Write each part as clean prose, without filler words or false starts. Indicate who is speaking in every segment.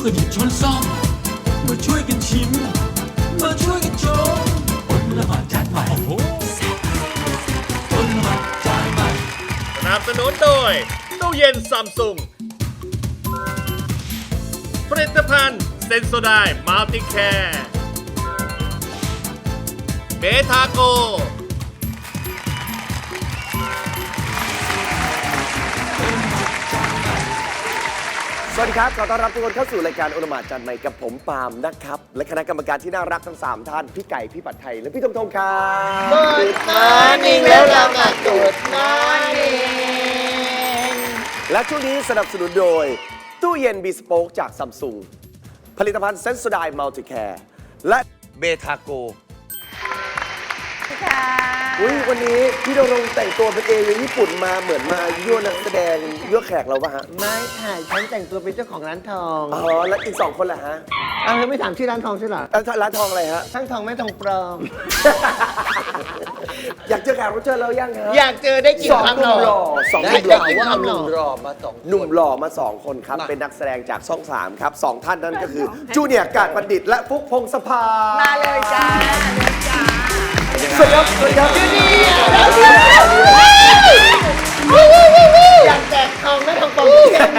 Speaker 1: กันหยิบช้อนซ่อมมาช่วยกันชิมมาช่วยกันชมอดละหมาดจานใหม่อดละหมาดจานใหม่
Speaker 2: สนับสนุนโดยตู้เย็นซัมซุงผลิตภัณฑ์เซนโซไดมัลติแคร์เบทาโก
Speaker 3: สวัสดีครับขอต้อนรับทุกคนเข้าสู่รายการโอละหมาดจานใหม่กับผมปาล์มนะครับและคณะกรรมการที่น่ารักทั้ง3ท่านพี่ไก่พี่ปัดไทยและพี่ทงทงครับ
Speaker 4: Good morning แล้วเรามา Good morning
Speaker 3: และช่วงนี้สนับสนุนโดยตู้เย็นบีสโป๊กจากซัมซุงผลิตภัณฑ์เซนโซไดมัลติแคร์และเบทาโกวันนี้พี่ดงรงแต่งตัวเป็นเอเลี่ยนญี่ปุ่นมาเหมือนมายั่วนักแสดงยั่วแขกเราปะฮะ
Speaker 4: ไม่ค่ะฉันแต่งตัวเป็นเจ้าของร้านทอง
Speaker 3: อ๋อแล้วอีก2คนล่ะฮะ
Speaker 4: เอาเธอไม่ถามชื่อร้านทองใช่เหรอ
Speaker 3: ร้านทองอะไรฮะ
Speaker 4: ช่างทองไม่ทองปลอม
Speaker 3: อยากเจอแขกรับเชิญเรายังฮะ
Speaker 4: อยากเจอได้กี่คำหล่อ
Speaker 3: สองห
Speaker 4: ได้
Speaker 3: นุ่มหล่อ
Speaker 4: กี่
Speaker 3: ว่า
Speaker 4: คำหล่อ
Speaker 3: หนุ่มหล่อมา2คนครับเป็นนักแสดงจากช่อง3ครับ2ท่านนั้นก็คือจูเนียร์กาดบัณฑิตและฟุกพงศภามาเลยจ้าสวัสดีครับสวัสดีครับ
Speaker 4: อยากแจกทองไม่ทองปลอมเช่น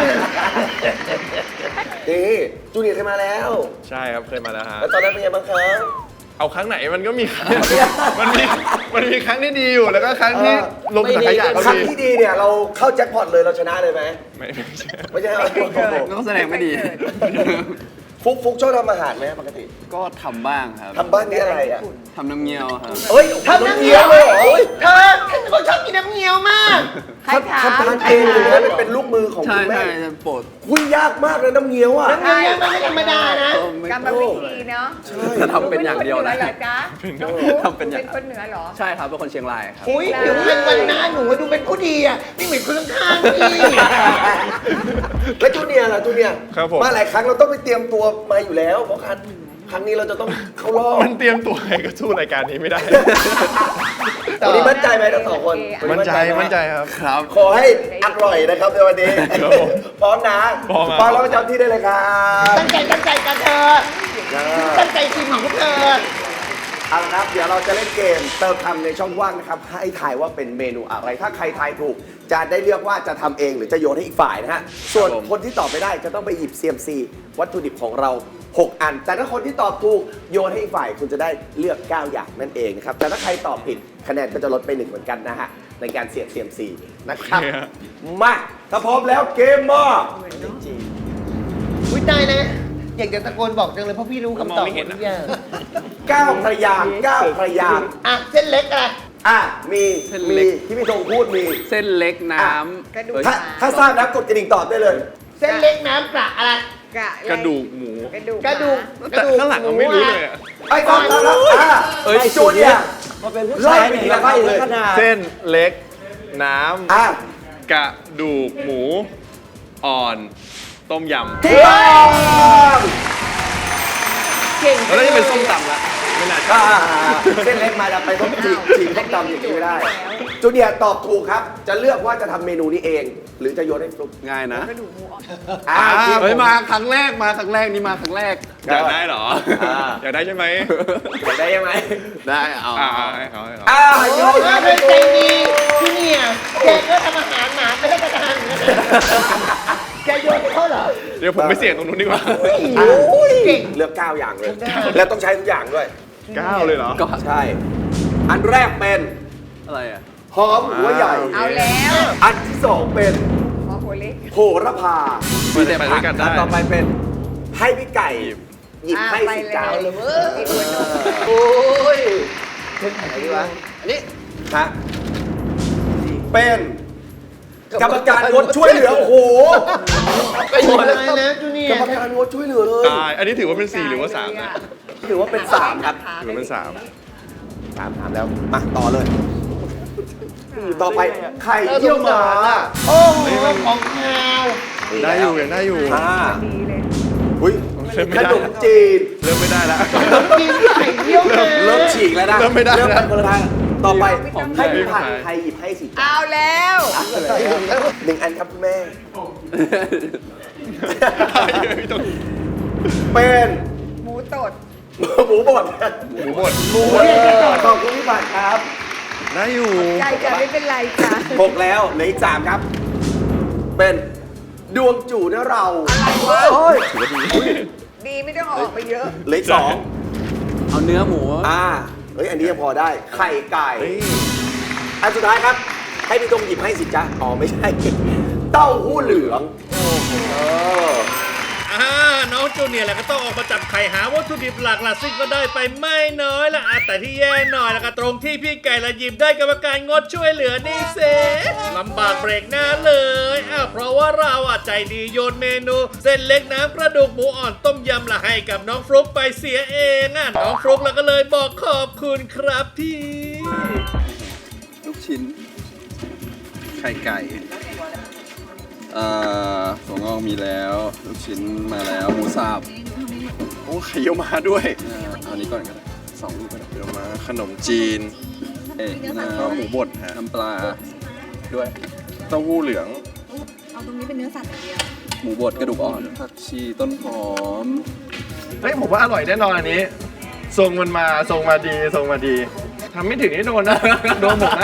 Speaker 3: นี่จูเนียร์เคยมาแล้ว
Speaker 2: ใช่ครับเคยมาแล้วฮะ
Speaker 3: แล้วตอนนั้นเป็นไงบ้างครับ
Speaker 2: เอาครั้งไหนมันก็มีครั้งมันมีครั้งที่ดีอยู่แล้วก็ครั้งที่ลงสังขยะก็
Speaker 3: ครั้ง
Speaker 2: มี
Speaker 3: ที่ดีเนี่ยเราเข้าแจ็คพอตเลยเราชนะเลยไหม
Speaker 2: ไม่ใช่
Speaker 3: ไม่ใช่
Speaker 5: ต้องแสดงไม่ดี
Speaker 3: ฟุกชอบทำอาหารไหมปกติ
Speaker 5: ก็ทำบ้างครับ
Speaker 3: ทำบ้านนี่อะไรอ่ะ
Speaker 5: ทำน้ำเงี้ยวครับ
Speaker 3: เอ้ยทำน้ำเงี้ยวเลยเหรอ
Speaker 4: เธอฉันเป็นคนชอบกินน้ำเงี้ยวมาก
Speaker 3: ทำทานเองเลยนะเป็นลูกมือของ
Speaker 5: ใช่
Speaker 3: คุณแม่
Speaker 5: ใช่โปรด
Speaker 3: คุยยากมากเลยน้ำเงี้ยวอ่ะ
Speaker 4: น้ำเงี้ยวมันไม่ธรรมดานะ
Speaker 6: กรรมวิธีเนาะ
Speaker 5: จะทำเป็นอย่างเดียวนะ
Speaker 6: หนูเป็นคนเหนือเหรอจ๊ะน้องฟุ๊ก
Speaker 5: ทำเป็นอย่าง
Speaker 6: เป็นคนเหนือเหรอ
Speaker 5: ใช่ครับเป็นคนเชียงรายครับ
Speaker 4: อุ้ยผิวพรรณวันหน้าหนูดูเป็นผู้ดีอ่ะไม่เหมือนคนข้างๆพี่
Speaker 3: แล้วจูเนียร์ล่ะจูเนียร์
Speaker 2: ครับผม
Speaker 3: มาหลายครั้งเราต้องไปเตรียมตัวมาอยู่แล้วเพราะครั้งนี้เราจะต้องเข้ารอบ
Speaker 2: มันเตรียมตัวไงก็สู้รายการนี้ไม่ได้
Speaker 3: วันนี้มั่นใจไหมทั้งสองคน
Speaker 2: มั่นใจ
Speaker 3: ไห
Speaker 2: มั่นใจครับ
Speaker 5: ครับ
Speaker 3: ขอให้อร่อยนะครับในวันนี้
Speaker 2: ครับผม
Speaker 3: พร้อมนะ
Speaker 2: พร้อมครับ
Speaker 3: พร้อมแล้วประจำที่ได้เลยครับ
Speaker 4: ตั้งใจกันเธอตั้งใจทีมของพวกเธอ
Speaker 3: เอาละครับเดี๋ยวเราจะเล่นเกมเติมคำในช่องว่างนะครับให้ทายว่าเป็นเมนูอะไรถ้าใครทายถูก จะได้เลือกว่าจะทำเองหรือจะโยนให้อีกฝ่ายนะฮะส่วนคนที่ตอบไม่ได้จะต้องไปหยิบ CMC วัตถุดิบของเรา6 อัน แต่ถ้าคนที่ตอบถูกโยนให้อีกฝ่ายคุณจะได้เลือก9อย่างนั่นเองนะครับแต่ถ้าใครตอบผิดคะแนนก็จะลดไป1เหมือนกันนะฮะในการเสี่ยง CMC นะครับ
Speaker 2: โอเคฮะ
Speaker 3: มาถ้าพร้อมแล้วเกมมา
Speaker 4: อุ้ยตายนะอยากจะตะโกนบอกจังเลยเพราะพี่รู้คำตอบหมดทุกอย่าง
Speaker 3: 9 พยางค์9 พยางค์
Speaker 4: อ่ะเส้นเล็กอะไร
Speaker 3: มี
Speaker 5: เส้นเล็ก
Speaker 3: ที่พี่ธงพูดมี
Speaker 5: เส้นเล็กน้
Speaker 6: กระดู
Speaker 5: ำ
Speaker 6: ก
Speaker 3: ถ้าทราบแล้วกดกระดิ่งตอบได้เลย
Speaker 4: เส้นเล็กน้ำปลาอะไร
Speaker 2: กระดูกหมู
Speaker 6: กระดูก
Speaker 4: กระดูก
Speaker 2: แต่ข้างหลังเราไม่รู้เลยอะ
Speaker 3: ไอ้ครับไอ้จูเนี่ยไล่ไปทีละขั้นเลย
Speaker 2: เส้นเล็กน้ำ
Speaker 3: อ่ะ
Speaker 2: กระดูกหมู อ่อน ต้มยำ
Speaker 3: ถูกต้อง
Speaker 4: เก่ง
Speaker 2: แล้วนี่เป็นส้มตำละไม่น่าใช่
Speaker 3: เส้นเล็กมาแล้วไปต้มจีบต้มตำอย่างนี้ไม่ได้จูเนี่ยตอบถูกครับ จะเลือกว่าจะทำเมนูนี้เอง หรือจะโยนให้ฟลุ๊ก
Speaker 5: ง่ายนะ
Speaker 6: กระดูกหมูอ่อน
Speaker 5: เฮ้ยมาครั้งแรกนี่มาครั้งแรก
Speaker 2: อยากได้เหรอ อยากได้ใช่ไหม
Speaker 3: อยากได้ยังไง
Speaker 5: ได้เอา
Speaker 2: ให้เขาให้เขา
Speaker 3: โยน
Speaker 4: ถ้าเป็นใจดีที่เนี่ยแกก็ทำอาหารหมาไม่ได้ประทานเหมือนกันแกโยนให้เขาเหรอ
Speaker 2: เดี๋ยวผมไปเสี่ยงตรงนู้นดีกว่า
Speaker 4: เก่ง
Speaker 3: เลือก9 อย่างเลย แล้วต้องใช้ทุกอย่างด้วย
Speaker 2: 9 เลยเหรอ
Speaker 5: ก็
Speaker 3: ใช่ อันแรกเป็น
Speaker 5: อะไรอ่ะ
Speaker 3: หอมหัวใหญ่
Speaker 6: เอาแล้ว
Speaker 3: อันที่2เป็น
Speaker 6: หมอหัวเล็ก
Speaker 3: โหระพา
Speaker 2: ไปด้วยกันได้
Speaker 3: อันต่อไปเป็นให้พี่ไก่หยิบให้
Speaker 6: ไป
Speaker 3: สิ
Speaker 6: เลย
Speaker 3: จ้า
Speaker 6: กินหัวนม
Speaker 3: โอ้ยเป็นไหนดีวะ อันนี้ฮะเป็นกรรมการงดช่วยเหลือ โอ้โห
Speaker 4: ไปหมดเลยนะจูเนีย
Speaker 3: กรรมการงดช่วยเหลือเลย
Speaker 2: อันนี้ถือว่าเป็น 4 หรือว่า 3 นะ
Speaker 3: ถือว่าเป็น3ครับ
Speaker 2: ถือว่าเป็น
Speaker 3: ถามแล้ว มาต่อเลย ต่อไปไข่เยี่ยวหมา
Speaker 4: โอ้โหของข้าว
Speaker 2: 3 ได้อยู่ยังได้อยู่
Speaker 6: ดีเลย
Speaker 3: อุ้ย
Speaker 2: เริ่มไม่
Speaker 3: ข
Speaker 2: ได้
Speaker 3: นมจีน
Speaker 2: เริ่มไม่ได้แล้ว
Speaker 4: กินไข่เยี่ยวมา
Speaker 3: เริ่มฉีกแล้วนะ
Speaker 2: เริ่มไม่ได้
Speaker 3: เริ่มไปคนละทางต่อไป
Speaker 2: ผม
Speaker 3: ให้พี่
Speaker 2: ไม่
Speaker 3: ผัด
Speaker 2: ได้
Speaker 3: ไทยหยิบให้สิจ้า
Speaker 6: เอาแล้ว
Speaker 3: 1 อันครับคุณแม่เป็น
Speaker 6: หมูตด
Speaker 3: หมูบด
Speaker 2: หมูบด
Speaker 3: ขอบคุณพี่บัตรครับ
Speaker 2: ได้อยู่
Speaker 6: ใจจะไม่เป็นไรจ้ะ
Speaker 3: 6แล้วเหลืออีก3ครับ เป็นดวงจู่นะเรา
Speaker 6: อะไรวะ
Speaker 3: โอ้ย
Speaker 6: ดีไม่ต้องออกไปเยอะ
Speaker 3: เหลืออีก2
Speaker 5: เอาเนื้อหมู
Speaker 3: เฮ้ยอันนี้ยังพอได้ไข่ไก่อันสุดท้ายครับ ให้พี่ตรงหยิบให้สิจ๊ะอ๋อไม่ใช่ เต้าหู้เหลืองเออ
Speaker 7: น้องจูเนียร์แหละก็ต้องออกมาจับไข่หาวัตถุดิบหลักล่ะซึ่งก็ได้ไปไม่น้อยละแต่ที่แย่หน่อยแล้วก็ตรงที่พี่ไก่ละหยิบได้กรรมการงดช่วยเหลือนี่เซลำบากเบรกหน้าเลยเพราะว่าเราใจดีโยนเมนู เส้นเล็กน้ำกระดูกหมูอ่อนต้มยำละให้กับน้องฟลุ๊กไปเสียเองน้องฟลุ๊กแล้วก็เลยบอกขอบคุณครับพี่
Speaker 5: ลูกชิ้น ไข่ไก่ถั่วงอกมีแล้ว ลูกชิ้นมาแล้ว หมูสับ
Speaker 2: โอ้ไข่เยี่ยวมาด้วย
Speaker 5: เอาอันนี้ก่อนก็ได้2 ลูกก็ได้
Speaker 2: เยี่ยวมาขนมจีน
Speaker 5: แล้ว
Speaker 2: ก็หมูบดฮะ
Speaker 5: น้ำปลาด้วย
Speaker 2: เต้าหู้เหลือง
Speaker 8: เอาตรงนี้เป็นเนื้อสัตว์อย่างเดียว
Speaker 5: หมูบดกระดูกอ่อน ผักชีต้นหอม
Speaker 2: เฮ้ยผมว่าอร่อยแน่นอนอันนี้ ทรงมันมาทรงมาดีทรงมาดีทำไม่ถึงนี่โดนนะ โดนหมดนะ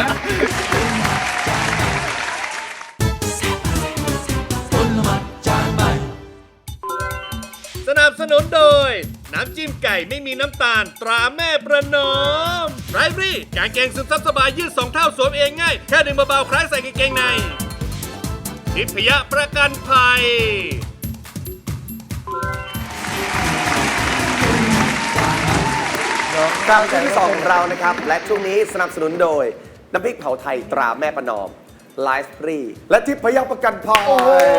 Speaker 7: สนับสนุนโดย น้ำจิ้มไก่ไม่มีน้ำตาลตราแม่ประนอมไรฟรี่กางเกงซึมซับสบายยืด2 เท่าสวมเองง่าย แค่ดึงเบาๆคล้ายใส่กางเกงในทิพยประกันภัย
Speaker 3: กลับมาช่วงที่2ของเรานะครับ และช่วงนี้สนับสนุนโดย น้ำพริกเผาไทยตราแม่ประนอมไลฟ์ฟรีและทิพยประกันภัย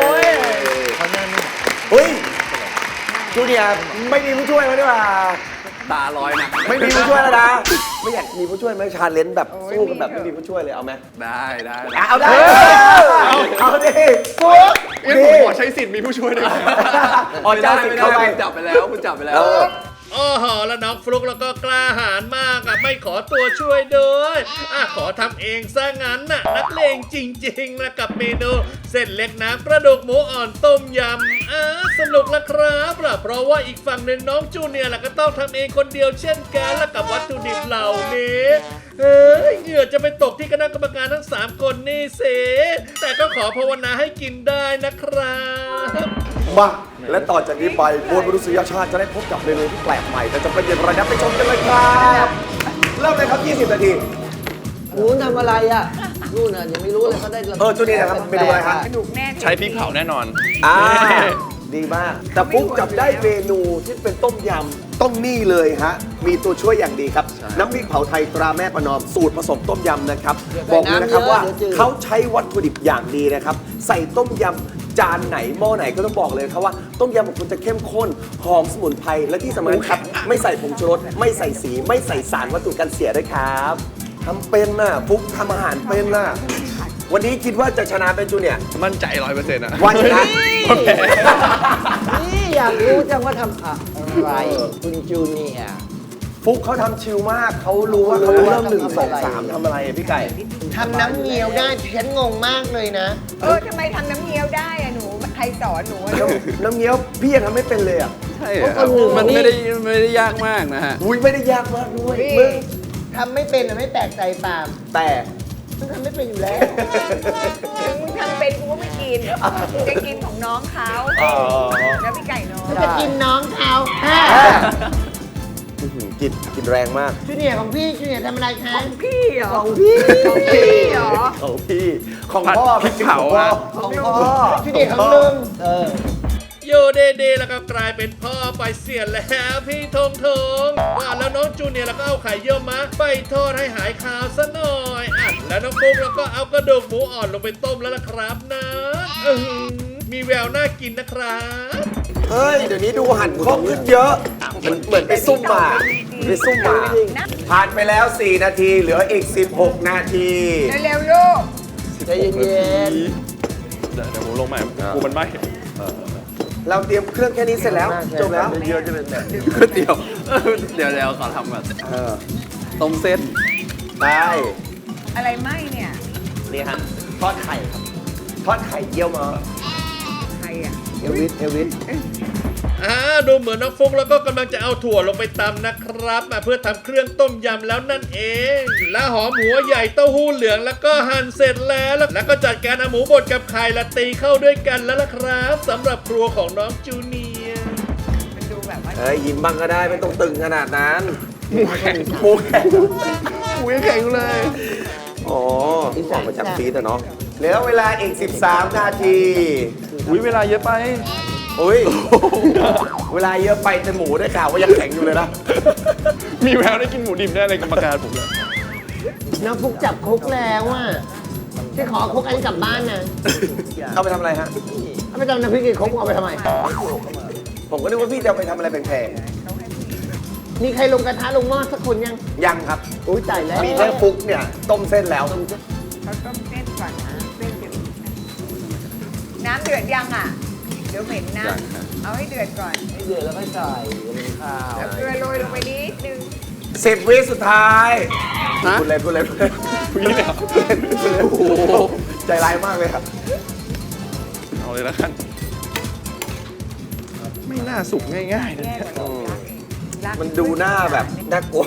Speaker 3: เฮ้ยจูเนียร์ไม่มีผู้ช่วยแล้วดีกว่า
Speaker 5: ตาลอยนะ
Speaker 3: ไม่มีผู้ช่วยแล้วนะ ไม่อยากมีผู้ช่วยไหมชาเลนจ์แบบสู้กันแบบไม่มีผู้ช่วยเลยเอาไหม
Speaker 5: ได้ได้
Speaker 3: เอาได้เอาดิฟุ๊ก
Speaker 2: เอ้ยผมขอใช้สิทธิ์มีผู้ช่วยด้วย
Speaker 3: อ๋อเจ้าสิทธิ์เข้าไป
Speaker 5: คุณจับไปแล้วคุณจับไปแล้ว
Speaker 7: โอ้โหแล้วน้องฟลุกแล้วก็กล้าหาญมากไม่ขอตัวช่วยด้วยขอทำเองซะงั้นนักเลงจริงๆนะกับเมนูเส้นเล็กน้ำกระดูกหมูอ่อนต้มยำสนุกละครับเพราะว่าอีกฝั่งหนึ่งน้องจูเนียร์ก็ต้องทำเองคนเดียวเช่นกันและกับวัตถุดิบเหล่านี้เหงื่อจะไปตกที่คณะกรรมการทั้ง3 คนนี่เสแต่ก็ขอภาวนาให้กินได้นะครับ
Speaker 3: มาและต่อจากนี้ไปมวลมนุษยชาติจะได้พบกับเมนูที่แปลกใหม่แต่จะเป็นอย่างไรนะไปชมกันเลยครับเริ่มเลยครับ 20 นาที
Speaker 4: หนูทำอะไรอ่ะนู่นน่ะยังไม่รู้เลยเขาได้
Speaker 3: จูเนียร์นะครับเมนูอะไรครับ
Speaker 6: กระดูกแน่
Speaker 2: ใช้พริกเผาแน่นอน
Speaker 3: ดีมาก แต่ปุ๊กจับได้เมนูที่เป็นต้มยำต้องนี่เลยฮะ มีตัวช่วยอย่างดีครับ น้ำพริกเผาไทยตราแม่ประนอมสูตรผสมต้มยำนะครับ บอกเลยนะครับว่าเขาใช้วัตถุดิบอย่างดีนะครับ ใส่ต้มยำจานไหนหม้อไหนก็ต้องบอกเลยครับว่าต้มยำของคุณจะเข้มข้นหอมสมุนไพรและที่สำคัญครับ ไม่ใส่ผงชูรสไม่ใส่สีไม่ใส่สารวัตถุกันเสียด้วยครับทำเป็นน่ะปุ๊กทำอาหารเป็นน่ะวันนี้คิดว่าจะชนะเป็นจูเนียร์
Speaker 2: มั่นใจ100%นะ
Speaker 3: วันชนะ
Speaker 4: นี่อยากรู้จังว่าทำอะไรคุณจูเนียร์
Speaker 3: ฟุกเขาทำชิลมาก เขารู้ว่าเขาเริ่ม1 2 3ทำอะไรอะพี่ไก่
Speaker 4: ทำน้ำเงี้ยวได้ฉันงงมากเลยนะ
Speaker 6: ทำไมทำน้ำเงี้ยวได้อะหนูใครสอนหนูอะลูก
Speaker 3: น้ำเงี้ยวพี่ยังทำไม่เป็นเลยอ่ะ
Speaker 5: ใช่ครับมันไม่ได้ยากมากนะฮะ
Speaker 3: อุ้ยไม่ได้ยากมากด้วย
Speaker 6: นี่
Speaker 3: มึง
Speaker 4: ทำไม่เป็นอะไม่แปลกใจปาล์ม
Speaker 3: แต่
Speaker 4: มันทำไม่เป็นอยู่แล้ว
Speaker 6: ถึงมึงทำเป็นกูก็ไม่กินกูจะกินของน้องเขาแล้วพี่ไก่น้อง
Speaker 4: มันจะกินน้องเขา
Speaker 3: กินแรงมาก
Speaker 4: จูเนียร์ของพี่จูเนียร์ทำอะไรคะ
Speaker 6: พี่เหรอ
Speaker 4: ของพี่
Speaker 6: ของพี่เหรอ
Speaker 3: ของพี่ของ
Speaker 2: ผัด
Speaker 3: พ่อ
Speaker 2: พริกเผา
Speaker 3: ของพ่อ
Speaker 2: อะ
Speaker 3: ของพ่อ
Speaker 4: จูเนียร์ของลุง
Speaker 7: โยเดแล้วก็กลายเป็นพ่อไปเสียแล้วพี่ทงว่าแล้วน้องจูเนียร์แล้วก็เอาไข่เยี่ยวม้าไปทอดให้หายคาวซะหน่อยแล้วน้องปุ๊กแล้วก็เอากระดูกหมูอ่อนลงไปต้มแล้วล่ะครับนะมีแววน่ากินนะครับ
Speaker 3: เฮ้ย เดี๋ยวนี้ดูหั่นคล่องขึ้นเยอะ เหมือนไปซุ่มมาไปซุ่มมาผ่านไปแล้ว 4 นาที เหลืออีก 16 นาที
Speaker 6: เร็วๆลูก
Speaker 4: ใจเย็น
Speaker 2: เดี๋ยวผมลงใหม่กูมันไหม
Speaker 3: เราเตรียมเครื่องแค่นี้เสร็จแล้ว จบแล้ว
Speaker 2: เยอะจะเป็นแบบ
Speaker 5: เดี๋ยวขอทำแบบต้มเส้น
Speaker 3: ได้
Speaker 6: อะไรไหมเนี่ย
Speaker 3: นี่ฮะทอดไข่ครับ ทอดไข่เยี่ยวมา
Speaker 6: ใครอ่ะ
Speaker 4: เอวิส
Speaker 7: ดูเหมือนน้องฟุกแล้วก็กำลังจะเอาถั่วลงไปตำนะครับเพื่อทำเครื่องต้มยำแล้วนั่นเอง และหอมหัวใหญ่เต้าหู้เหลืองแล้วก็หั่นเสร็จแล้วก็จัดการเอาหมูบดกับไข่ละตีเข้าด้วยกันแล้วล่ะครับสำหรับครัวของน้องจูเนียร์
Speaker 6: มันดูแบบว่า
Speaker 3: เฮ้ยยิ้มบ้างก็ได้ไม่ต้องตึงขนาดนั้น
Speaker 2: หมูแข็ง
Speaker 3: หมูแข็ง
Speaker 2: หมูยังแข็งอยู่เลย
Speaker 3: อ๋อที่สั่งมาจากฟีดอะเนาะเหลือเวลาอีก 13 นาที
Speaker 2: อุ้ยเวลาเยอะไป
Speaker 3: อุ้ย เวลาเยอะไปแต่หมูได้ข่าวว่ายังแข็งอยู่เลยนะ
Speaker 2: มีแววได้กินหมูดิบได้เลยกรรมการผมเลย
Speaker 4: น้องฟุกจับคุกแล้วอ่ะที่ขอคุกอันนี้กลับบ้านนะ
Speaker 3: เอาไปทำอะไรฮะ
Speaker 4: เอาไปทำน้ำพริกกี่คุกเอาไปทำไม
Speaker 3: ผมก็นึกว่าพี่จะเอาไปทำอะไรแพง
Speaker 4: มีใครลงกระทะลงหม้อสักคนยัง
Speaker 3: ๆยังครับ
Speaker 4: อุ้ยตายแล้ว
Speaker 3: มีแค่ฟุกเนี่ย ต้มเส้นแล้ว
Speaker 6: เขาต้มเส้นก่อนนะเส้นจะน้ำเดือดยังอ่ะ เดี๋ยวเหม็นนะ เอาให้เดือดก่อน
Speaker 4: เดือดแล้วก็ใส่ข้าว
Speaker 6: เอาเกลือโรยลงไปนิดนึง
Speaker 3: 10 วิสุดท้ายพูดเล่นพูดเล่นพูดเล่น
Speaker 2: พูดเล่นเหรอ
Speaker 3: พูดเล่นพูดเล่นโอ้โหใจร้ายมากเลยครับ
Speaker 2: เอาเลยแล้วกัน ไม่น่าสุกง่ายๆนะ
Speaker 6: แย่กว่าเรารัก
Speaker 3: มันดูหน้าแบบน่ากลัว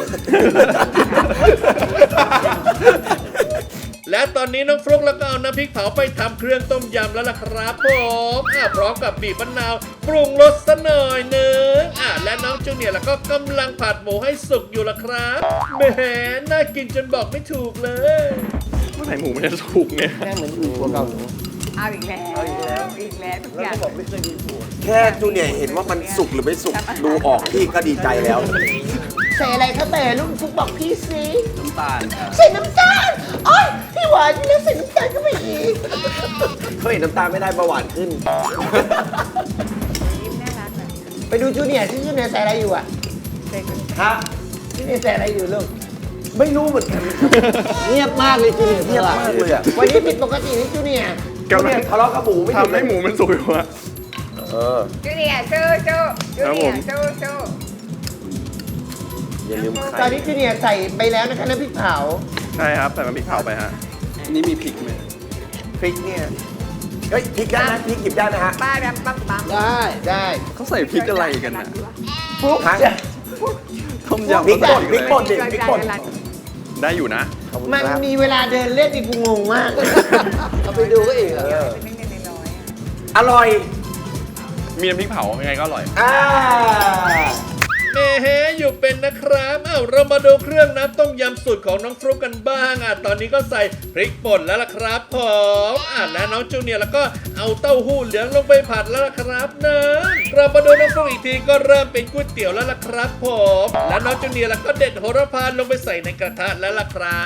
Speaker 7: และตอนนี้น้องฟลุ๊กแล้วก็เอาน้ำพริกเผาไปทำเครื่องต้มยำแล้วล่ะครับผมพร้อมกับบีบมะนาวปรุงรสซะหน่อยหนึงและน้องจูเนียร์แล้วก็กำลังผัดหมูให้สุกอยู่ล่ะครับแหมน่ากินจนบอกไม่ถูกเลย
Speaker 2: เมื่อไหร่หมูมันจะสุกเนี่ย
Speaker 4: แม่เหมือนอยู่ตัวเก่าหนู
Speaker 6: เอาอีกแล้วอีกแล้วทุกอย่าง
Speaker 3: แค่จูเนียร์เห็นว่ามันสุกหรือไม่สุกดูออกพี่ก็ดีใจแล้ว
Speaker 4: ใส่อะไรคะแต่ลูกฟุกบอกพี่สิ
Speaker 5: น้ำตาลครับ
Speaker 4: ใส่น้ำตาลโอ้ยพี่หวานแล้วใส่น้ำตาลก็ไม่อีก
Speaker 3: เขาเห็นน้ำตาลไม่ได้เบาหวานขึ้น
Speaker 6: ยิ้มน่ารักแบบ
Speaker 4: ไปดูจูเนียร์ที่จูเนียร์ใส่อะไรอยู่อ่ะ
Speaker 6: เด็ก
Speaker 3: ฮะ
Speaker 4: จูเนียร์ใส่อะไรอยู่ลูก
Speaker 3: ไม่รู้เหมือนกัน
Speaker 4: เงียบมากเลยจูเนียร์
Speaker 3: เงียบมากเลยอ่ะ
Speaker 4: วันนี้ผิดปกตินี่จูเนียร์
Speaker 3: จูเนียร์ทะเลาะกับหมูไม่หยุด
Speaker 2: ทำให้หมูมันสุกอยู่อะ
Speaker 6: จูเนียร์สู้สู้จูเนียร์สู้สู้
Speaker 3: อย่าลืม
Speaker 4: ตอ
Speaker 3: ไข่
Speaker 4: นนี้จูเนียร์ใส่ไปแล้วนะคะน้ำพริกเผา
Speaker 2: ใช่ครับแต่มันพริกเผาไปฮะ
Speaker 5: อันนี้มีพริกไหม
Speaker 3: พริกเนี่ยเฮ้ยพริกได้นะพริกหยิบได้นะฮะ
Speaker 6: ป้าดำปั๊มปั๊ม
Speaker 4: ได้
Speaker 5: เขาใส่พริกอะไรกันนะ
Speaker 4: ฟุก
Speaker 3: ฮะ
Speaker 5: ต้มยำ
Speaker 3: พริกป่น
Speaker 5: เขา
Speaker 3: พริก
Speaker 5: ใส่
Speaker 3: ป่นดิพริกป่น
Speaker 2: ได้อยู่นะ
Speaker 4: มันมีเวลาเดินเล่นอีกกูงงมากเอาไปดูก็อีกเหรอ
Speaker 6: เป็นเล็กๆน้อยๆอ่ะ
Speaker 3: อร่อย
Speaker 2: มีน้ำพริกเผายังไงก็อร่อย
Speaker 7: แหมอยู่เป็นนะครับเรามาดูเครื่องน้ำต้มยำสูตรของน้องฟลุ๊กกันบ้างตอนนี้ก็ใส่พริกป่นแล้วล่ะครับผมและน้องจูเนียร์แล้วก็เอาเต้าหู้เหลืองลงไปผัดแล้วล่ะครับนะเรามาดูน้องฟลุ๊กอีกทีก็เริ่มเป็นก๋วยเตี๋ยวแล้วล่ะครับผมและน้องจูเนียร์แล้วก็เด็ดโหระพาลงไปใส่ในกระทะแล้วล่ะครับ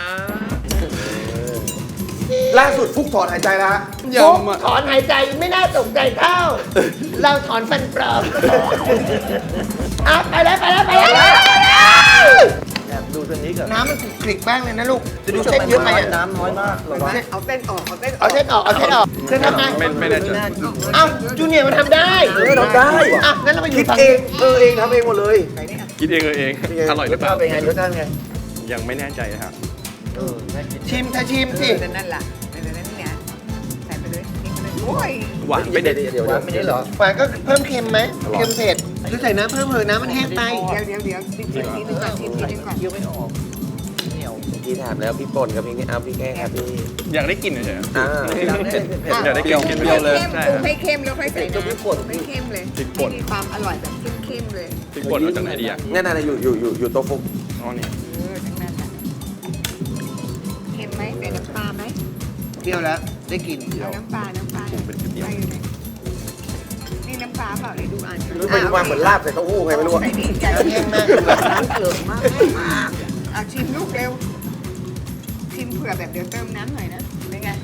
Speaker 3: ล่าสุดฟุกถอนหายใจแล้วฮะ
Speaker 4: ฟุก
Speaker 5: ยำอ่ะ
Speaker 4: ถอนหายใจไม่น่าตกใจเท่า เราถอนฟันปลอมอ่ะไปแล้วไปแล้วไปแล้วดูตัวนี้ก่อนน้ำมันกริกบ้างเลยนะลูกจะดูเส้นเยอะไปน้ำน้อยมาก
Speaker 6: เอาเส้นออกเอาเส้นอ
Speaker 4: เอา
Speaker 6: อก
Speaker 4: เส้นออกเอาเส้นออกเส้นทำไง
Speaker 2: ไม่แน่ใจ
Speaker 4: เอ้าจูเนียร์มันทำได้
Speaker 3: ทำได้
Speaker 4: อ่ะงั้นเราไปอ
Speaker 3: คิ
Speaker 4: ยู่
Speaker 3: ด
Speaker 4: ฝั่ง
Speaker 3: เองเองทำเองหมดเลย
Speaker 2: คิดเองเอง อร่อยหรือเปล่า
Speaker 3: เป็นไงรสชาติไง
Speaker 2: ยังไม่แน่ใจครับ
Speaker 4: ชิมถ้าชิมสิ
Speaker 6: นั่นแหละนั่นเนี่ยใส่ไปเลยกินไปเลยโอ้ย
Speaker 2: หวานไม่เด็ด
Speaker 3: เดี๋ยวไม่ได้เหรอ
Speaker 4: หวานก็เพิ่มเค็มไหมเค็มเผ็ดหรือใส่น้ำเพิ่มเถอะน้ำมันแห้งไป
Speaker 6: เดี๋ยวชิมทีนึงก่อนชิมทีนึงก่อน
Speaker 3: พี่ถามแล้วพี่ป่นกับพี่นี่เอาพี่แก้ครับพี่
Speaker 2: อยากได้กลิ่นเฉย
Speaker 3: อ่า
Speaker 2: อยากได้กลิ่น
Speaker 6: ป
Speaker 2: เปรี้ยว
Speaker 6: รุง
Speaker 2: เลย
Speaker 6: ให้เข้ม
Speaker 2: ใช่
Speaker 6: ปรุงให้เข้มแล้วค่อยใส่น้ำปรุงให้เข้มเลย
Speaker 2: พริกป่น
Speaker 6: ให้มีความอร่อยแบบเข้มๆเลย
Speaker 2: พริกป่นมาจากไหนดีอ่ะ
Speaker 3: นั่นน่ะอยู่โต๊ะฟุก
Speaker 2: อ๋อนี่
Speaker 6: ทั้งนั้นอ่ะเค็มไหมใส่น้ำปลาไหม
Speaker 4: เปรี้ยวแล้วได้กลิ่น
Speaker 6: เอาน้ำปลาใส่อยู่ไหนนี่น้ำปลาเปล่าเลยดูอ่าน
Speaker 3: รู้ไปดูมาเหมือนลาบใส่เต้าหู้ไงไม่รู้อะ
Speaker 6: ใส่ดีใจ
Speaker 4: แห้งมาก
Speaker 6: น้ำเกลือมากเอาชิมลูกเร็วชิมเผื่อแบบเดี๋ยวเติมน้ำหน่อยนะเป็นไง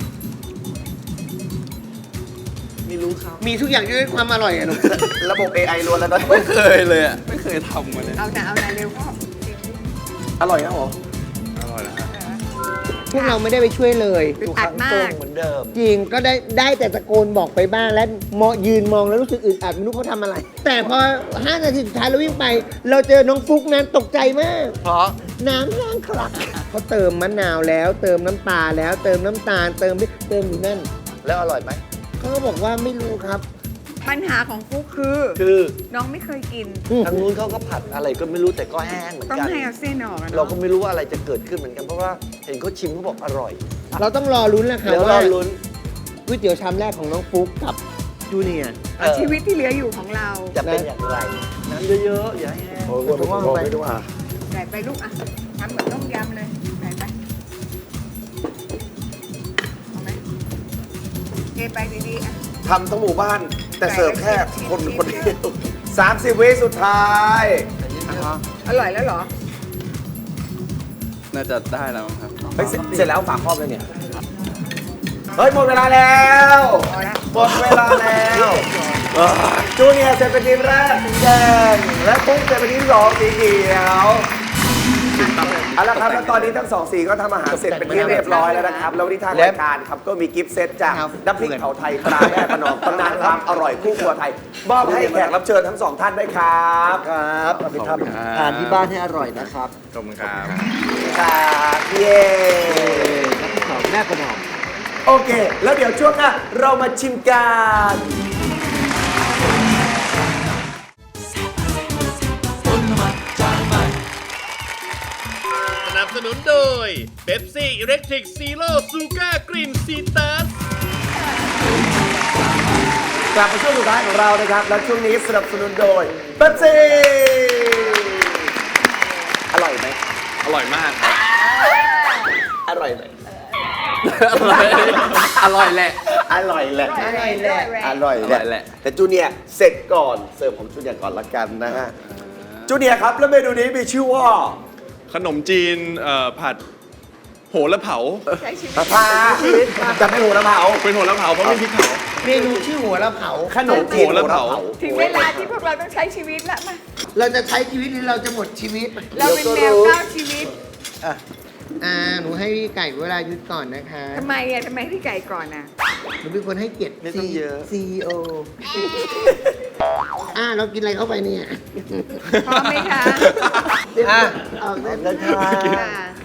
Speaker 4: มีทุกอย่างด้วยความอร่อยอะลูก
Speaker 3: ระบบ AI ล้วนแล้วตอน
Speaker 5: ไม่เคยเลยอ่ะ ไม่เคยทำมาเลย
Speaker 6: เอานะเร็วพ่อชิมดิ
Speaker 3: อร่อยนะหรอ
Speaker 2: อร่อยแล้วฮะ
Speaker 4: พวกเราไม่ได้ไปช่วยเลย
Speaker 6: อึดอัดมาก
Speaker 4: จริงก็ได้แต่ตะโกนบอกไปบ้างแล้วยืนมองแล้วรู้สึกอึดอัดไม่รู้เขาทำอะไร แต่พอ5 นาทีสุดท้ายเราวิ่งไป เราเจอน้องฟุกนั้นตกใจมาก
Speaker 3: เพราะ
Speaker 4: น้ำแห้งคลักเขาเติมมะนาวแล้ว เติมน้ำปลาแล้วเติมน้ำตาลเติมพริกเติมอยู่นั่น
Speaker 3: แล้วอร่อยไหม
Speaker 4: เขาก็บอกว่าไม่รู้ครับ
Speaker 6: ปัญหาของฟุ๊กคือ
Speaker 4: คือ
Speaker 6: น้องไม่เคยกิน
Speaker 4: ทางนู้นเขาก็ผัดอะไรก็ไม่รู้แต่ก็แห้งเหมือน
Speaker 6: ต้อง
Speaker 4: กัน
Speaker 6: ให้เอาเส้นออกอะ
Speaker 4: เรา
Speaker 6: เนาะ
Speaker 4: ก็ไม่รู้ว่าอะไรจะเกิดขึ้นเหมือนกันเพราะว่าเห็นเขาชิมเขาบอกอร่อย
Speaker 9: เราต้องรอลุ้นแหละค่ะ
Speaker 4: เดี๋ยวร
Speaker 9: ว่า
Speaker 4: อลุ้น
Speaker 9: ก๋วยเตี๋ยวชามแรกของน้องฟุ๊กกับจูเนียร์
Speaker 6: ชีวิตที่เหลืออยู่ของเรา
Speaker 4: จะเป็นอย่างไรน้ำเยอะๆอย่าให้แห้ง
Speaker 3: โอ้โห
Speaker 4: เพราะว่ามันไป
Speaker 3: ไม่ดูอ่ะ
Speaker 6: ใส่ไปลูกอ่ะทำเหมือนต้มยำเลยใส่ไปเอาไหมเทไปดีๆอ่ะ
Speaker 3: ทำทั้งหมู่บ้าน แต่เสิร์ฟแค่คนคนเดียว30 วิสุดท้าย
Speaker 6: อร่อยแล้วเหรอ
Speaker 5: น่าจะได้แล้วมั้งครับ
Speaker 3: เฮ้ยเสร็จแล้วฝากครอบเลยเนี่ย เฮ้ย หมดเวลาแล้ว
Speaker 6: พอละ
Speaker 3: หมดเวลาแล้วจูเนียร์เสร็จเป็นทีมแรกสีแดง และปุ๊กเสร็จเป็นทีมสองสีเขียวเอาละครับแล้วตอนนี้ทั้งสองสีก็ทำอาหารเสร็จเป็นที่เรียบร้อยแล้วนะครับ แล้ววันนี้ทางรายการครับก็มีกิฟต์เซตจากน้ำพริกเผาไทยตราแม่ประนอมตำนานความอร่อยคู่ครัวไทยมอบให้แขกรับเชิญทั้งสองท่านด้วยครับ
Speaker 4: ครับเอาไปทำทานที่บ้านให้อร่อยนะครับ
Speaker 2: ขอบคุณครับ
Speaker 3: ครับเย้
Speaker 4: น้ำพริกเผาแม่ประนอม
Speaker 3: โอเค แล้วเดี๋ยวช่วงหน้าเรามาชิมกัน
Speaker 7: สนับสนุนโดยเบปซี่อิเล็กทริกซีโร่ซูก้ากรีนซีตัส
Speaker 3: กลับมาช่วงสุดท้ายของเรานะครับ และช่วงนี้สนับสนุนโดยเบปซี่อร่อยไหม
Speaker 2: อร่อยมาก
Speaker 3: อร่อยไหม
Speaker 2: อร่อยแหละ
Speaker 3: อร่อยแหละ
Speaker 6: อร่อยแหละ
Speaker 3: อร่อย
Speaker 2: อร่อยแหละ
Speaker 3: แต่จูเนียร์เสร็จก่อน เสิร์ฟของจูเนียร์ก่อนละกันนะฮะ จูเนียร์ครับ แล้วเมนูนี้มีชื่อว่า
Speaker 2: ขนมจีนผัดโหระเผา
Speaker 6: ใช้ชีวิต
Speaker 3: ปลาพาจะไม่หูระเผา
Speaker 2: เป็นโหระเผาเพราะไม่พริกเผา
Speaker 9: เมนูชื่อหัวละเผา
Speaker 3: ขนมจีน
Speaker 2: โหระเผา
Speaker 6: ถึงเวลาที่พวกเราต้องใช้ชีวิตละมา
Speaker 9: เราจะใช้ชีวิตหรือเราจะหมดชีวิต
Speaker 6: เราเป็นแมวก้าวชีวิต
Speaker 9: หนูให้พี่ไก่เวลาหยุดก่อนนะคะ
Speaker 6: ทำไมอ่ะทำไมพี่ไก่ก่อนอ่ะ
Speaker 9: หนูเป็นคนให้เกียรติ
Speaker 4: ไม่ต้องเยอะ
Speaker 9: CEO เรากินอะไรเข้าไปเนี่ย
Speaker 6: พร้อมไหมคะ
Speaker 9: ออกได้
Speaker 4: แล้วค่ะ
Speaker 6: ค่ะ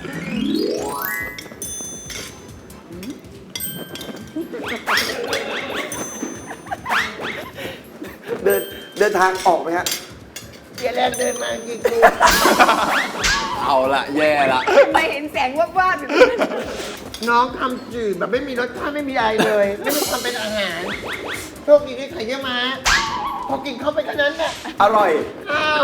Speaker 3: เดินทางออกไหมฮะ
Speaker 9: เกียร์แรกเดินมากี่กู
Speaker 2: เอาละแย่ละ
Speaker 6: ทำไมเห็นแสงวาบๆอยู่นั้น
Speaker 9: น้องทำจืดแบบไม่มีรสชาติไม่มีอะไรเลย ไม่มีความเป็นอาหารโชคดีที่ไข่เยี่ยวม้าพอกินเข้าไปแค่นั้นแหละ
Speaker 3: อร่อย
Speaker 9: อ้าว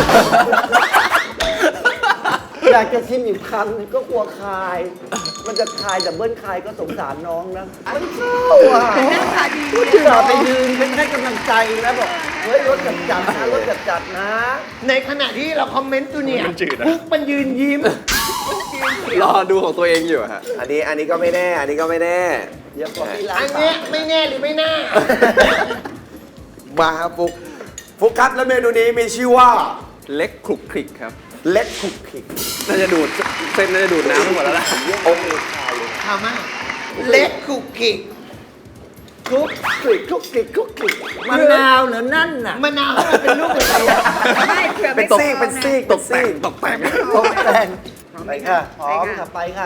Speaker 4: อยากจะชิมอีกคำก็กลัวคาย มันจะคายแต่เบิ้ลคายก็สงสารน้องนะมันเข้าอ่ะ
Speaker 6: แต่หน้าตาดี
Speaker 4: พูด
Speaker 6: เนี่
Speaker 4: ถึง
Speaker 6: ย
Speaker 4: ไปยืนเป็นให้กำลังใจนะบอกเฮ้ยรถจัดๆนะรถจัดๆนะ
Speaker 9: ในขณะที่เราคอมเมนต์ตัวเนี่ย
Speaker 2: มันจืดอะ
Speaker 9: ปุ๊กมันยืนยิ้ม
Speaker 2: รอดูของตัวเองอยู่ฮะ
Speaker 3: อันนี้ก็ไม่แน่ อันนี้ก็ไม่แน่
Speaker 4: เดี๋ยวก่อนที่ร้า
Speaker 9: อั
Speaker 4: น
Speaker 9: นเนี้ยไม่แน่หรือไม่น่า
Speaker 3: มาครับฟุกครับแล้วเมนูนี้มีชื่อว่า
Speaker 2: เล็กคลุกคลิกครับ
Speaker 3: เล็กคุกคิก
Speaker 2: น่าจะดูดเส้นน่าจะดูดน้ำไปหมดแล้วล่ะ
Speaker 3: โอ้โห
Speaker 9: ทำมาเล็กคุกกิก
Speaker 4: คุกคลิกคุกคลิกคุกคลิกมะนาวเหรอนั่นน่ะ
Speaker 9: มะนาวให้มันเป็นลูกอะไรอะ
Speaker 6: ไม่เผื่อ
Speaker 3: เป็
Speaker 6: ไม่
Speaker 3: นซีกเป็นซีก
Speaker 2: ตกแต่งตกแต่ง
Speaker 4: ตกแต่งไปค่ะพร้อมค่ะไปค่ะ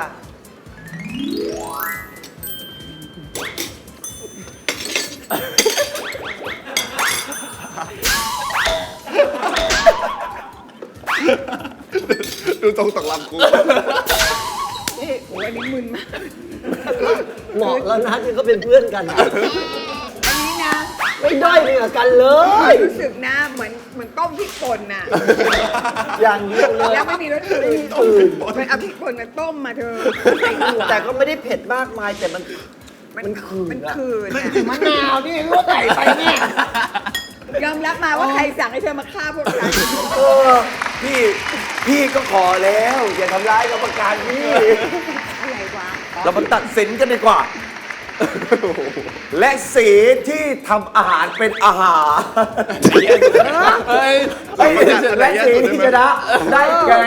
Speaker 2: ดูตรงตกลำกู
Speaker 6: นี่โอ้ยอันนี้มึนมาก
Speaker 4: เหมาะแล้วนะที่เขาเป็นเพื่อนกัน
Speaker 6: อันนี้นะ
Speaker 4: ไม่ด้อยเหนือกันเลย
Speaker 6: รู้สึกนะเหมือนต้มพริกป่นน่ะ
Speaker 4: อย่างเดียวเลย
Speaker 6: แล้วไม่มีรสอื่น
Speaker 4: อื่น
Speaker 6: มันเอาพริกป่นมาต้มมาเธอใส่ถั่ว
Speaker 4: แต่ก็ไม่ได้เผ็ดมากมายแต่มันคืน
Speaker 6: มัน
Speaker 4: อะ
Speaker 6: คืนอะ
Speaker 9: มะนาวนี่รู้ว่าใส่ไปเนี่ย
Speaker 6: ยอมรับมาว่าใครสั่งให้เธอมาฆ่าพวกฉัน
Speaker 3: เออพี่ก็ขอแล้ว อย่าทำร้ายกรรมการพี่
Speaker 6: อะไรวะ
Speaker 3: เรามาตัดสินกันดีกว่า และสีที่ทำอาหารเป็นอาหาร
Speaker 2: เฮ้ย
Speaker 3: และสีที่ชนะได้แก่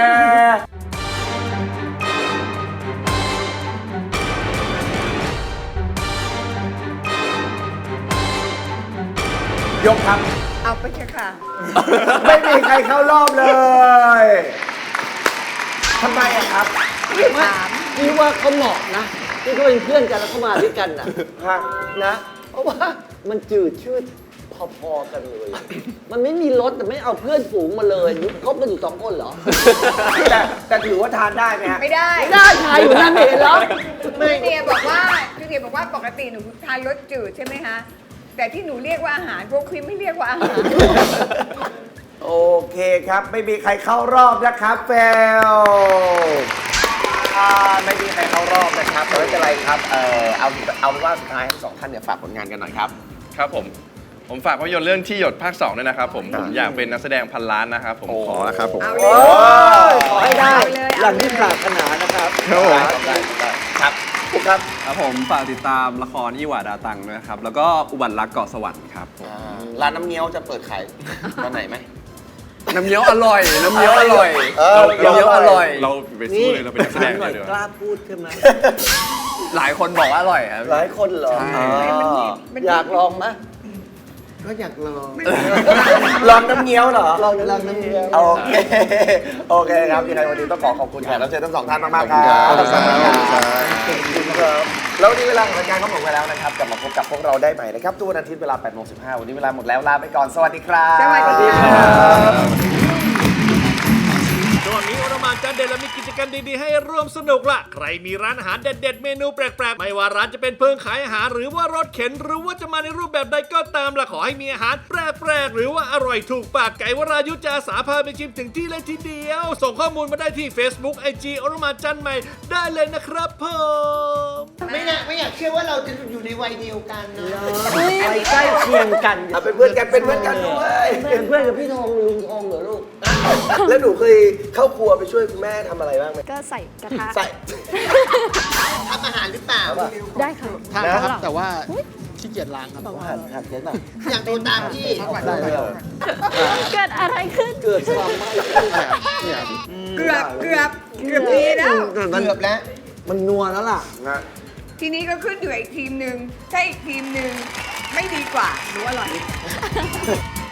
Speaker 3: ยกครับ
Speaker 6: เอาไปเถอะค่ะ
Speaker 3: ไม่มีใครเข้ารอบเลย ทำไมอะครับ
Speaker 6: ถาม
Speaker 4: นี่ว่าเขาเหมาะนะที่เขาเป็นเพื่อนกันแล้วเขามาด้วยกันนะ
Speaker 3: ฮะ
Speaker 4: นะ เพราะว่ามันจืดชืด
Speaker 3: พอๆกันเลย
Speaker 4: มันไม่มีรถแต่ไม่เอาเพื่อนฝูงมาเลยคบกันอยู่2 คนเหรอ
Speaker 3: แต่ถือว่าทานได้ไหมฮะ
Speaker 6: ไม่ได้
Speaker 4: ไม่ได้ชายอยู่นั่นเห็นเหรอ
Speaker 6: พี่เดียบอกว่าปกติหนูทานรสจืดใช่ไหมคะแต่ที่หนูเรียกว่าอาหารพวกคุณไม่เรียกว่าอาหาร
Speaker 3: โอเคครับ ไม่มีใครเข้ารอบนะครับเฟลไม่มีใครเข้ารอบนะครับแต่ไม่เป็นไรครับเอาเป็นว่าสุดท้ายทั้ง2ท่านเนี่ยฝากผลงานกันหน่อยครับ
Speaker 2: ครับผมฝากภาพยนตร์เรื่องที่หยดภาค 2ด้วยนะครับผมอยากเป็นนักแสดงพันล้านนะครับผมขอแล้วครับผม
Speaker 6: เอา
Speaker 3: โอ้
Speaker 6: เลย
Speaker 3: ยขอให้ได้
Speaker 6: เอาเลย
Speaker 4: หลังที่ปรารถนานะครับ
Speaker 2: ครับผม
Speaker 3: ได้ครับคุณครับ
Speaker 5: ครับผมฝากติดตามละครยี่หวาดาตังด้วยครับ แล้วก็อุบัติรักเกาะสวรรค์ครับผม
Speaker 3: ร้านน้ำเงี้ยวจะเปิดขายตอนไหนไหม
Speaker 5: น้ำเงี้ยวอร่อย น้ำเงี้ยวอร่อย
Speaker 3: น้ำเงี้ยวอร่อย
Speaker 2: เราไปสู้เลยเราเป็นนักแสดง
Speaker 4: หน่อย
Speaker 2: เลยดีก
Speaker 4: ก
Speaker 2: ว่า
Speaker 4: ล้าพูดใช่ไหม
Speaker 5: หลายคนบอกว่าอร่อยครับ
Speaker 3: หลายคนเหรอ
Speaker 5: ใช่
Speaker 4: อยากลองไหม
Speaker 9: ก็อยากลอง
Speaker 3: ลองน้ำเงี้ยวเหรอ
Speaker 4: ลองน้ำเงี้ยว
Speaker 3: โอเค โอเคครับ ยังไงวันนี้ต้องขอบคุณแขกรับเชิญทั้ง2ท่านมากๆครับ
Speaker 2: ขอบคุณครับ
Speaker 3: ครับแล้ววันนี้เวลาของรายการก็หมดไปแล้วนะครับ กลับมาพบกับพวกเราได้ใหม่นะครับทุกวันอาทิตย์เวลา 8:15 วันนี้เวลาหมดแล้วลาไปก่อน สวัสดีครับ
Speaker 6: สวัสดีค่ะ
Speaker 7: ช่วงนี้โอรมานจานเด็ดและมีกิจกรรมดีๆให้ร่วมสนุกล่ะ ใครมีร้านอาหารเด็ดๆเมนูแปลกๆ ไม่ว่าร้านจะเป็นเพิงขายอาหารหรือว่ารถเข็น หรือว่าจะมาในรูปแบบใดก็ตามล่ะขอให้มีอาหารแปลกๆ หรือว่าอร่อยถูกปากไก่วรายุจะอาสาพาไปชิมถึงที่เลยทีเดียว ส่งข้อมูลมาได้ที่ Facebook IG โอรมานจันใหม่ได้เลยนะครับผม
Speaker 9: ไม่อยากเชื่อว่าเราจะอยู่ในวัยเดียวกันเนาะ
Speaker 4: ไปใกล้เคียงกัน
Speaker 3: เอาเป็นเพื่อนกันเป็นเพื่อนกันด้วย
Speaker 4: เป็นเพื่อนกับพี่ทองลุงทองเหรอลูก
Speaker 3: แล้วหนูเคยเข้าครัวไปช่วยคุณแม่ทำอะไรบ้างไหม
Speaker 8: ก็ใส่กระทะ
Speaker 3: ใส่
Speaker 9: ทำอาหารหรือเปล่า
Speaker 8: ได้ค่ะ
Speaker 9: ทำครับแต่ว่าขี้เกียจล้างครับ
Speaker 3: หักเจ๊หน่อย
Speaker 9: อยากโดนตามพี่
Speaker 8: เกิดอะไรขึ้น
Speaker 4: เกิดความไม่
Speaker 6: เกือบดีแล้ว
Speaker 9: เกือบแล้ว
Speaker 4: มันนัวแล้วล่ะ
Speaker 6: ทีนี้ก็ขึ้นอยู่อีกทีมหนึ่งถ้าอีกทีมหนึ่งไม่ดีกว่าหนูอร่อย